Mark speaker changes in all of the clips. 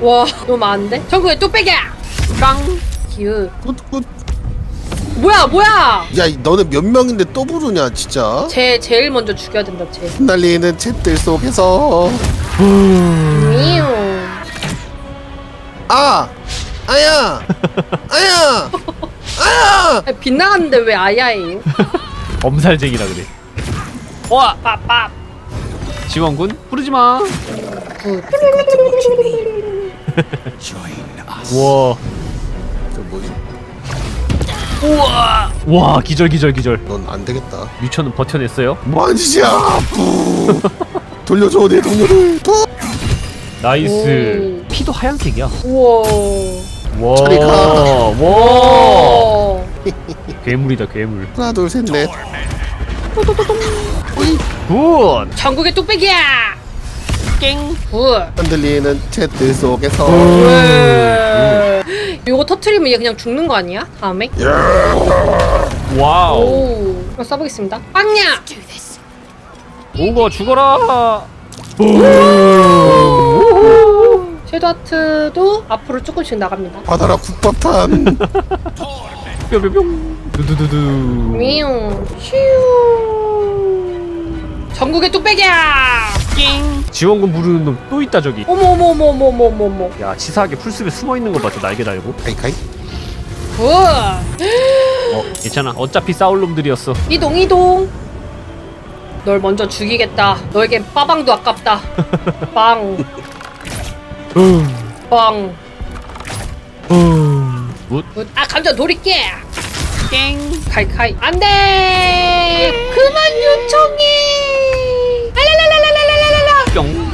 Speaker 1: 와 너무 많은데? 전국에 뚝배기야! 깡! 기으
Speaker 2: 굿굿.
Speaker 1: 뭐야!
Speaker 2: 야 너네 몇 명인데 또 부르냐 진짜.
Speaker 1: 제일 먼저 죽여야 된다 쟤.
Speaker 2: 흩날리는 챗들 속에서
Speaker 1: 미우.
Speaker 2: 아야 아야 아야.
Speaker 1: 아니, 빗나갔는데 왜 아야예요?
Speaker 3: 엄살쟁이라 그래. 와!
Speaker 1: 빡빡.
Speaker 3: 지원군 부르지마.
Speaker 1: 굿.
Speaker 3: 우와.
Speaker 2: 저 뭐지?
Speaker 3: 우와. 와 기절.
Speaker 2: 넌 안 되겠다.
Speaker 3: 뮤천은 버텨냈어요.
Speaker 2: 뭐하는 짓이야? 부. 돌려줘 내 동료를. 부.
Speaker 3: 나이스. 피도 하얀색이야.
Speaker 1: 우와.
Speaker 3: 와.
Speaker 2: 저리 가.
Speaker 3: 와. 괴물이다 괴물.
Speaker 2: 하나 둘 셋 넷.
Speaker 3: 굿.
Speaker 1: 전국의 뚝배기야! 깽! 굿!
Speaker 2: 흔들리는 챗들 속에서
Speaker 1: 왜? 요거 터트리면 얘 그냥 죽는 거 아니야? 다음에?
Speaker 3: 와우.
Speaker 1: 오. 한번 써보겠습니다. 빵야!
Speaker 3: 오거 죽어라.
Speaker 1: 섀도우 하트도 앞으로 조금씩 나갑니다.
Speaker 2: 받아라 국밥탄.
Speaker 3: 뿅뿅뿅. 두두두두.
Speaker 1: 미용. 휴. 전국의 뚝배기야! 깽!
Speaker 3: 지원군 부르는 놈 또 있다 저기.
Speaker 1: 어머.
Speaker 3: 야 치사하게 풀숲에 숨어 있는 거 봐. 저 날개 달고.
Speaker 2: 카이카이.
Speaker 1: 굿!
Speaker 3: 괜찮아. 어차피 싸울 놈들이었어.
Speaker 1: 이동. 널 먼저 죽이겠다. 너에겐 빠방도 아깝다. 빵. 빵.
Speaker 3: 굿.
Speaker 1: 굿. 아 감자 돌릴게. 깽. 칼칼. 안돼. 그만 요청해. 알랄랄랄랄랄랄랄라.
Speaker 3: 뿅.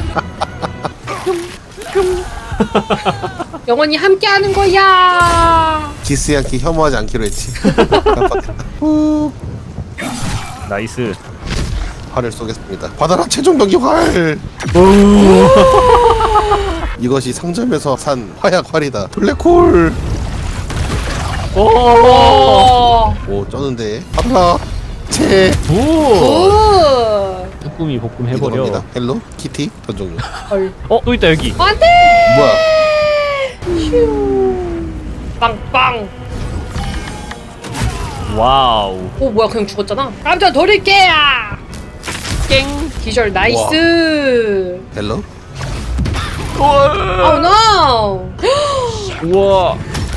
Speaker 1: 영원히 함께하는 거야.
Speaker 2: 기스야키 혐오하지 않기로 했지. 깜빡했다. 후.
Speaker 3: 나이스.
Speaker 2: 활을 쏘겠습니다. 받아라 최종 병기 활. 이것이 상점에서 산 화약 활이다. 블랙홀.
Speaker 1: 오.
Speaker 2: 오 쩌는데. 받아라. 채.
Speaker 3: 굿.
Speaker 1: 굿.
Speaker 3: 쭈꾸미 볶음 해버려.
Speaker 2: 이겁니다. 헬로 키티 전 종류.
Speaker 1: 헐.
Speaker 3: 또 있다 여기.
Speaker 1: 안돼.
Speaker 2: 뭐야?
Speaker 1: 휴. 빵빵.
Speaker 3: 와우.
Speaker 1: 오 뭐야 그냥 죽었잖아. 감자 돌릴게. 깽. 기절 나이스.
Speaker 2: 헬로.
Speaker 1: 오 노.
Speaker 3: 우와.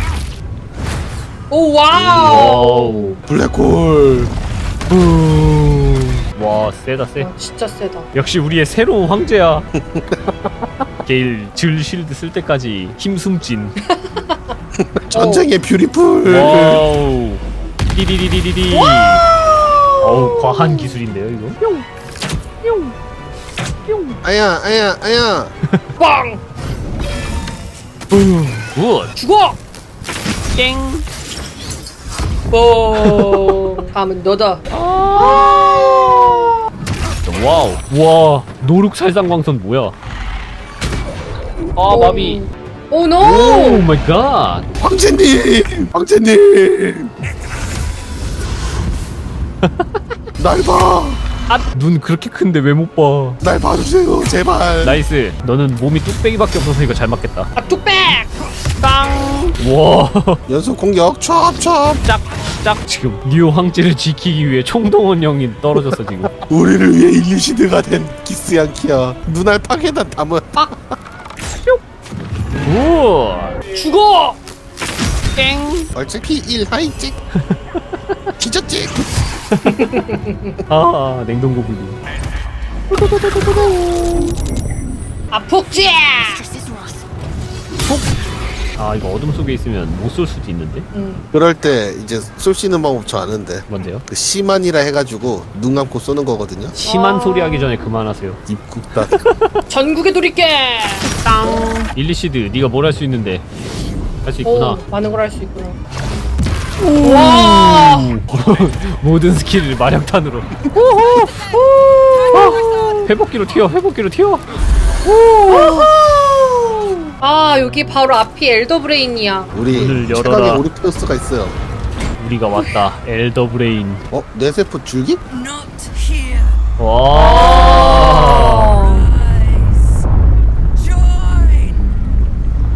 Speaker 1: 오 와우.
Speaker 3: 와우.
Speaker 2: 블랙홀.
Speaker 3: 와 세다 세.
Speaker 1: 아, 진짜 세다.
Speaker 3: 역시 우리의 새로운 황제야. 게일 줄 실드 쓸 때까지 힘 숨진.
Speaker 2: 전쟁의 뷰티풀.
Speaker 3: 와우. 디디디디디디. 어우 과한 기술인데요 이거.
Speaker 2: 아야 아야 아야.
Speaker 1: 빵.
Speaker 3: 굿.
Speaker 1: 죽어. 깽. 뽕. 다음은 너다.
Speaker 3: 와우. 와 노룩살상광선 뭐야? 아 마비.
Speaker 1: 오 노.
Speaker 3: 오 마이 갓.
Speaker 2: 황제님 황제님. 날 봐.
Speaker 3: 눈 그렇게 큰데 왜 못 봐?
Speaker 2: 날 봐주세요 제발.
Speaker 3: 나이스. 너는 몸이 뚝배기밖에 없어서 이거 잘 맞겠다.
Speaker 1: 아 뚝배. 빵.
Speaker 3: 와.
Speaker 2: 연속 공격 찹찹.
Speaker 3: 짝 지금 뉴 황제를 지키기 위해 총동원 형이 떨어졌어 지금.
Speaker 2: 우리를 위해 일루시드가 된 기스양키야. 눈알 파괴단 담은.
Speaker 3: 오.
Speaker 1: 죽어. 땡.
Speaker 2: 얼찍 P1 하이찍. 뒤졌지.
Speaker 3: 아 냉동고 불기.
Speaker 1: 아 폭지.
Speaker 3: 아 이거 어둠 속에 있으면 못 쏠 수도 있는데.
Speaker 2: 그럴 때 이제 쏠 수 있는 방법 저 아는데.
Speaker 3: 뭔데요?
Speaker 2: 그 시만이라 해가지고 눈 감고 쏘는 거거든요.
Speaker 3: 심한 소리 하기 전에 그만하세요.
Speaker 2: 입국다.
Speaker 1: 전국에 돌릴게. 땅.
Speaker 3: 일리시드 네가 뭘 할 수 있는데. 할 수 있구나.
Speaker 1: 오, 많은 걸 할 수 있구나. 와.
Speaker 3: 모든 스킬을 마력탄으로. 회복기로 튀어. 회복기로 튀어.
Speaker 1: 아 여기 바로 앞이 엘더 브레인이야.
Speaker 2: 우리
Speaker 3: 문을 열어라.
Speaker 2: 최강의 오리페우스가 있어요.
Speaker 3: 우리가 왔다. 엘더 브레인.
Speaker 2: 어? 뇌세포 줄기?
Speaker 4: Not here.
Speaker 3: 와.
Speaker 4: Join.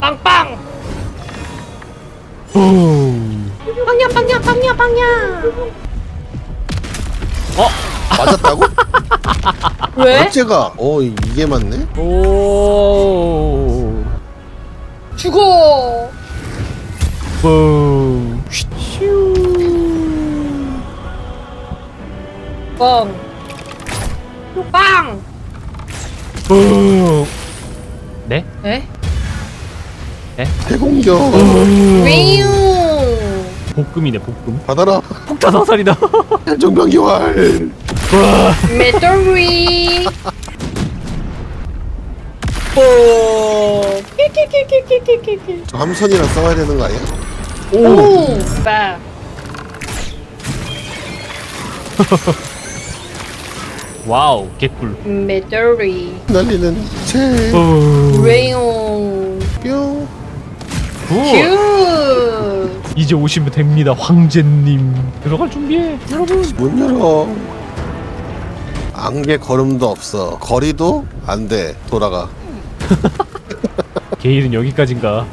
Speaker 1: 빵빵.
Speaker 3: 붐.
Speaker 1: 빵야 빵야 빵야 빵야.
Speaker 2: 맞았다고?
Speaker 1: 왜?
Speaker 2: 어째가? 이게 맞네?
Speaker 3: 오.
Speaker 1: 죽어.
Speaker 3: 붐. 쉿.
Speaker 1: 빵. 빵.
Speaker 3: 붐. 네?
Speaker 1: 에?
Speaker 2: 대공격.
Speaker 1: 위우.
Speaker 3: 볶음이네 볶음.
Speaker 2: 받아라.
Speaker 3: 폭탄 화살이다.
Speaker 2: 정병기 활.
Speaker 1: 메토리. 오. 키키키키키키키.
Speaker 2: 저 함선이랑 싸워야 되는 거 아니야?
Speaker 1: 오. 빠.
Speaker 3: 와우 개꿀.
Speaker 1: 메토리.
Speaker 2: 날리는 책.
Speaker 1: 위우.
Speaker 2: 뿅.
Speaker 1: 큐.
Speaker 3: 이제 오시면 됩니다 황제님. 들어갈 준비해 여러분.
Speaker 2: 문 열어. 안개 걸음도 없어. 거리도 안 돼. 돌아가.
Speaker 3: 게일은 여기까지인가.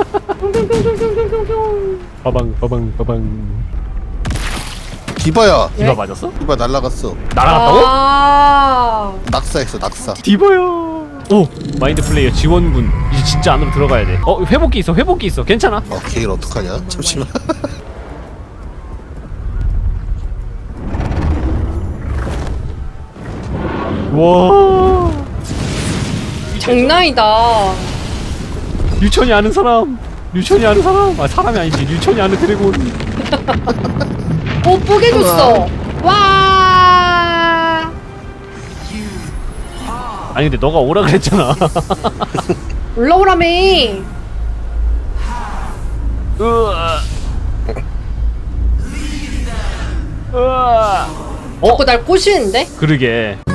Speaker 3: 빠방 빠방 빠방.
Speaker 2: 디바야.
Speaker 3: 디바
Speaker 1: 예?
Speaker 3: 맞았어?
Speaker 2: 디바 날라갔어.
Speaker 3: 날아갔다고?
Speaker 1: 아.
Speaker 2: 낙사했어. 낙사.
Speaker 3: 디바요. 오 마인드 플레이어 지원군. 이제 진짜 안으로 들어가야 돼. 회복기 있어 회복기 있어. 괜찮아.
Speaker 2: 게일 어떡하냐? 잠시만.
Speaker 3: 와
Speaker 1: 장난이다.
Speaker 3: 류천이 아는 사람. 류천이 아는 사람. 아 사람이 아니지. 류천이 아는 드래곤.
Speaker 1: 오 뽀개줬어. 와.
Speaker 3: 아니 근데 너가 오라 그랬잖아.
Speaker 1: 올라오라며.
Speaker 3: 으아. 으아.
Speaker 1: 자꾸 날 꼬시는데?
Speaker 3: 그러게.